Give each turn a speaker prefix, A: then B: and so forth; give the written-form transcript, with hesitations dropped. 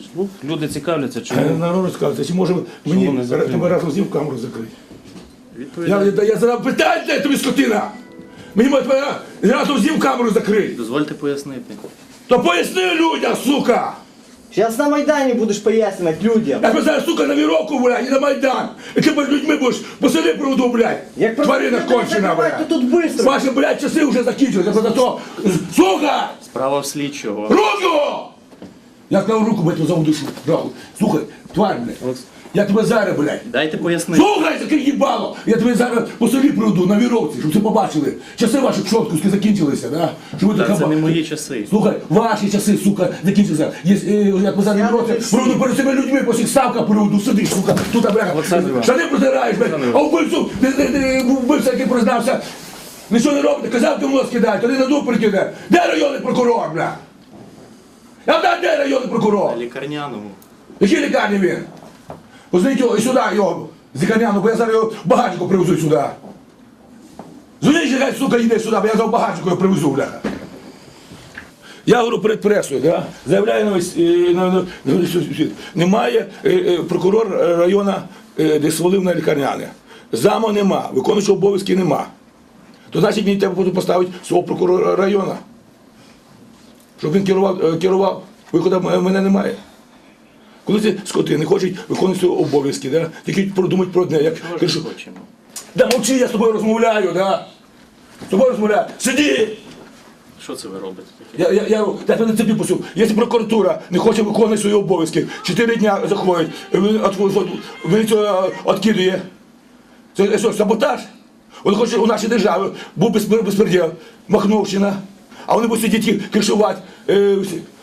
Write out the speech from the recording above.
A: Ну, люди цікавляться, чому.
B: Народ цікавиться, чи може
A: Чому не
B: мені
A: закрили?
B: тебе разом з ним камеру закрити?
A: Відповідайте.
B: Я задав питання, де тобі скотина! Мені може тебе разом з ним камеру закрити.
A: Дозвольте пояснити.
B: То поясни людям, сука!
C: Сейчас на Майдані будеш пояснювати людям.
B: Я тебе зараз, сука, на віровку, блядь, і на Майдан. І ти перед людьми будеш посади проводу, блядь.
C: Як
B: Тварина кончена,
C: то
B: блядь.
C: тут быстро.
B: Ваші, блядь, часи вже закінчилися. За то, сука!
A: Справа в слідчого.
B: Руку! Я сказав руку, блядь, за душу. Рахуй. Слухай, тварь, блядь. Я тебе зараз, блядь.
A: Дайте пояснити.
B: Слухай, таке їбало! Я тебе зараз по селі приведу на віровці, щоб це побачили. Часи ваші чоткуски закінчилися, да? Щоб ви
A: Та
B: така
A: це не
B: ба-
A: мої часи.
B: Слухай, ваші часи, сука, закінчилися. Я тебе зараз віровці, приведу перед цими людьми, по всіх ставках приведу, сидиш, сука, тут, бляха.
A: Олександр Іванович.
B: Штани протираєш, блядь, а вбивцю, вбивця, який признався, нічого не робите, казав, ти в нос кидай, тоді на дуб прикине. Де районний прокурор, бля? Я знаю, де районний прокурор?
A: На лікарняному.
B: Якій лікарні він? Позвоніть його і сюди, його, з лікарняного, бо я зараз його багатько привезу сюди. Дзвоніть, хай, сука, йде сюди, бо я зараз багатько його привезу, бляха. Я говорю перед пресою, да? Заявляю на весь, на весь світ. Немає прокурор району, де свалив на лікарняне. Заму нема, виконуючого обов'язки нема. То значить мені треба буде поставити свого прокурора району. Щоб він керував, виходу мене немає. Коли ці скоти не хочуть виконувати свої обов'язки, да? Тільки подумають про одне, як
A: Чого ж
B: кажу,
A: ми хочемо?
B: да мовчи, я з тобою розмовляю, да? З тобою розмовляю. Сиди!
A: Що це ви робите таке?
B: Я тебе на цепі пустив. Якщо прокуратура не хоче виконувати свої обов'язки, 4 дня заходить, міліцію відкидує. Це що, саботаж? Вони хочуть у нашій державі, був безпреділ, Махновщина, а вони будуть сидіти кришувати